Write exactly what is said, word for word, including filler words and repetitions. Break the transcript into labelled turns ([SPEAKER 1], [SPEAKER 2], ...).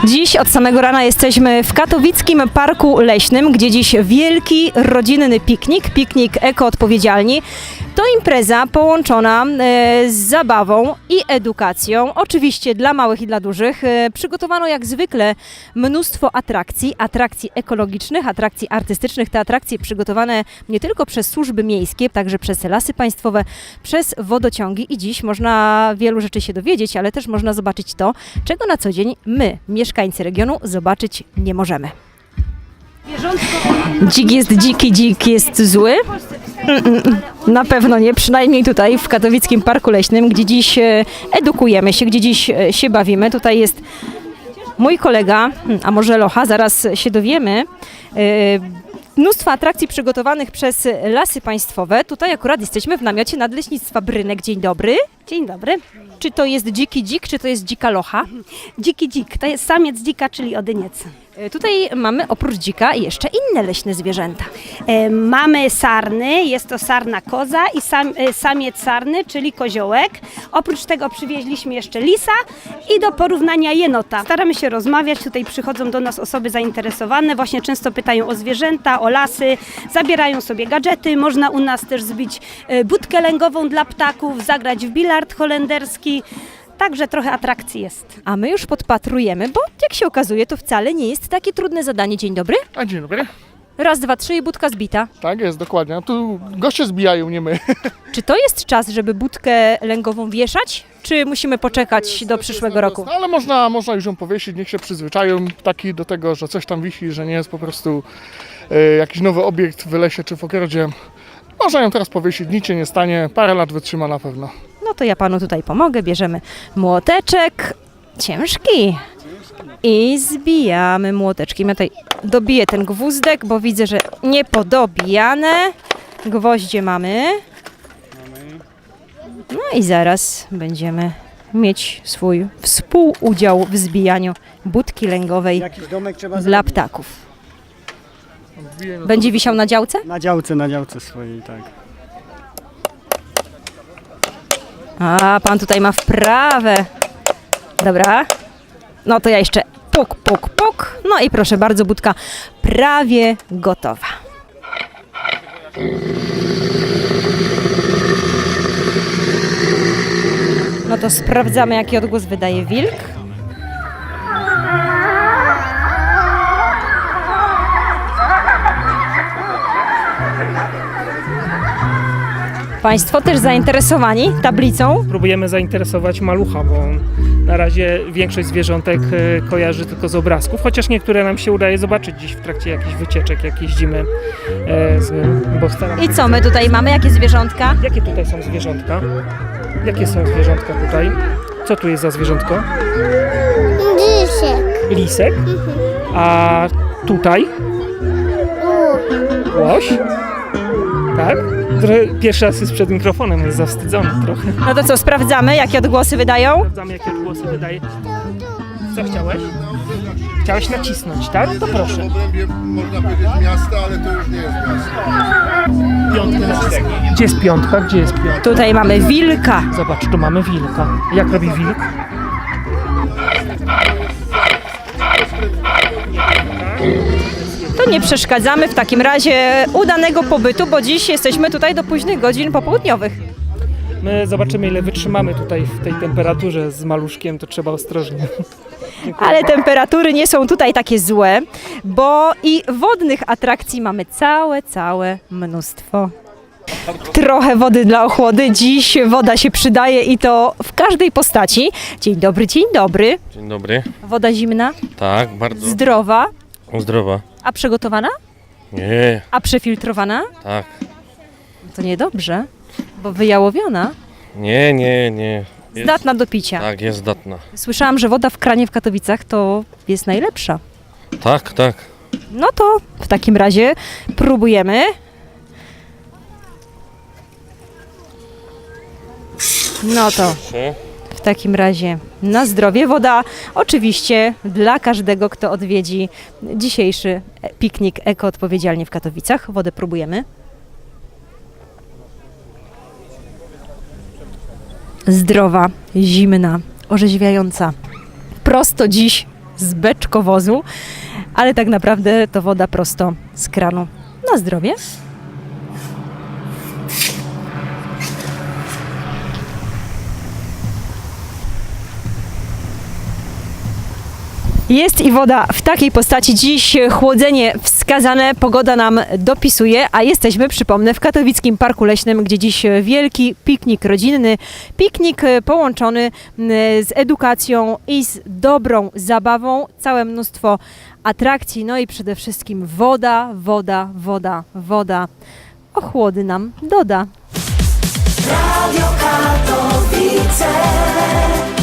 [SPEAKER 1] Dziś od samego rana jesteśmy w katowickim Parku Leśnym, gdzie dziś wielki rodzinny piknik, piknik ekoodpowiedzialni. To impreza połączona e, z zabawą i edukacją, oczywiście dla małych i dla dużych. E, przygotowano jak zwykle mnóstwo atrakcji, atrakcji ekologicznych, atrakcji artystycznych. Te atrakcje przygotowane nie tylko przez służby miejskie, także przez Lasy Państwowe, przez wodociągi i dziś można wielu rzeczy się dowiedzieć, ale też można zobaczyć to, czego na co dzień my, mieszkańcy regionu, zobaczyć nie możemy. Dzik jest dziki, dzik jest zły? Mm-mm, na pewno nie, przynajmniej tutaj w katowickim Parku Leśnym, gdzie dziś edukujemy się, gdzie dziś się bawimy. Tutaj jest mój kolega, a może Locha, zaraz się dowiemy. Mnóstwo atrakcji przygotowanych przez Lasy Państwowe. Tutaj akurat jesteśmy w namiocie Nadleśnictwa Brynek. Dzień dobry.
[SPEAKER 2] Dzień dobry.
[SPEAKER 1] Czy to jest dziki dzik, czy to jest dzika locha?
[SPEAKER 2] Dziki dzik, to jest samiec dzika, czyli odyniec.
[SPEAKER 1] Tutaj mamy oprócz dzika jeszcze inne leśne zwierzęta.
[SPEAKER 2] E, mamy sarny, jest to sarna koza i sam, e, samiec sarny, czyli koziołek. Oprócz tego przywieźliśmy jeszcze lisa i do porównania jenota. Staramy się rozmawiać, tutaj przychodzą do nas osoby zainteresowane, właśnie często pytają o zwierzęta, o lasy, zabierają sobie gadżety. Można u nas też zbić e, budkę lęgową dla ptaków, zagrać w bilard holenderski. Także trochę atrakcji jest.
[SPEAKER 1] A my już podpatrujemy, bo jak się okazuje, to wcale nie jest takie trudne zadanie. Dzień dobry.
[SPEAKER 3] A dzień dobry.
[SPEAKER 1] Raz, dwa, trzy i budka zbita.
[SPEAKER 3] Tak jest, dokładnie. A tu goście zbijają, nie my.
[SPEAKER 1] Czy to jest czas, żeby budkę lęgową wieszać, czy musimy poczekać do przyszłego roku?
[SPEAKER 3] No, ale można, można już ją powiesić, niech się przyzwyczają taki do tego, że coś tam wisi, że nie jest po prostu e, jakiś nowy obiekt w lesie czy w ogrodzie. Można ją teraz powiesić, nic się nie stanie, parę lat wytrzyma na pewno.
[SPEAKER 1] No to ja panu tutaj pomogę, bierzemy młoteczek, ciężki i zbijamy młoteczkiem. Ja tutaj dobiję ten gwózdek, bo widzę, że niepodobijane. Gwoździe mamy. No i zaraz będziemy mieć swój współudział w zbijaniu budki lęgowej dla ptaków. Będzie wisiał na działce?
[SPEAKER 4] Na działce, na działce swojej, tak.
[SPEAKER 1] A, pan tutaj ma wprawę. Dobra. No to ja jeszcze puk, puk, puk. No i proszę bardzo, budka prawie gotowa. No to sprawdzamy, jaki odgłos wydaje wilk. Państwo też zainteresowani tablicą?
[SPEAKER 5] Próbujemy zainteresować malucha, bo na razie większość zwierzątek e, kojarzy tylko z obrazków, chociaż niektóre nam się udaje zobaczyć dziś w trakcie jakichś wycieczek, jak jeździmy e, z nim, bo staramy
[SPEAKER 1] I co my tutaj mamy? Jakie zwierzątka?
[SPEAKER 5] Jakie tutaj są zwierzątka? Jakie są zwierzątka tutaj? Co tu jest za zwierzątko?
[SPEAKER 6] Lisek.
[SPEAKER 5] Lisek? A tutaj? Łoś? Tak? Trochę pierwszy raz jest przed mikrofonem, jest zawstydzony trochę.
[SPEAKER 1] No to co, sprawdzamy, jakie odgłosy wydają?
[SPEAKER 5] Sprawdzamy, jakie odgłosy wydaje. Co chciałeś? Chciałeś nacisnąć, tak? To proszę.
[SPEAKER 6] W obrębie można powiedzieć miasta, ale to już nie jest miasto.
[SPEAKER 5] Piątkę nacisnij. Gdzie jest piątka? Gdzie jest piątka?
[SPEAKER 1] Tutaj mamy wilka.
[SPEAKER 5] Zobacz, tu mamy wilka. Jak robi wilk?
[SPEAKER 1] To nie przeszkadzamy w takim razie udanego pobytu, bo dziś jesteśmy tutaj do późnych godzin popołudniowych.
[SPEAKER 5] My zobaczymy, ile wytrzymamy tutaj w tej temperaturze z maluszkiem, to trzeba ostrożnie.
[SPEAKER 1] Ale temperatury nie są tutaj takie złe, bo i wodnych atrakcji mamy całe, całe mnóstwo. Trochę wody dla ochłody. Dziś woda się przydaje i to w każdej postaci. Dzień dobry, dzień dobry.
[SPEAKER 7] Dzień dobry.
[SPEAKER 1] Woda zimna,
[SPEAKER 7] Tak, bardzo
[SPEAKER 1] zdrowa,
[SPEAKER 7] zdrowa.
[SPEAKER 1] a przygotowana?
[SPEAKER 7] Nie,
[SPEAKER 1] A przefiltrowana?
[SPEAKER 7] tak.
[SPEAKER 1] To niedobrze, bo wyjałowiona,
[SPEAKER 7] Nie, nie, nie. Jest,
[SPEAKER 1] zdatna do picia.
[SPEAKER 7] Tak, jest zdatna.
[SPEAKER 1] Słyszałam, że woda w kranie w Katowicach to jest najlepsza.
[SPEAKER 7] Tak, tak.
[SPEAKER 1] No to w takim razie próbujemy. No to w takim razie na zdrowie. Woda oczywiście dla każdego, kto odwiedzi dzisiejszy piknik ekoodpowiedzialnie w Katowicach. Wodę próbujemy. Zdrowa, zimna, orzeźwiająca. Prosto dziś z beczkowozu, ale tak naprawdę to woda prosto z kranu. Na zdrowie. Jest i woda w takiej postaci. Dziś chłodzenie wskazane, pogoda nam dopisuje, a jesteśmy, przypomnę, w Katowickim Parku Leśnym, gdzie dziś wielki piknik rodzinny. Piknik połączony z edukacją i z dobrą zabawą. Całe mnóstwo atrakcji, no i przede wszystkim woda, woda, woda, woda. Ochłody nam doda.
[SPEAKER 8] Radio Katowice.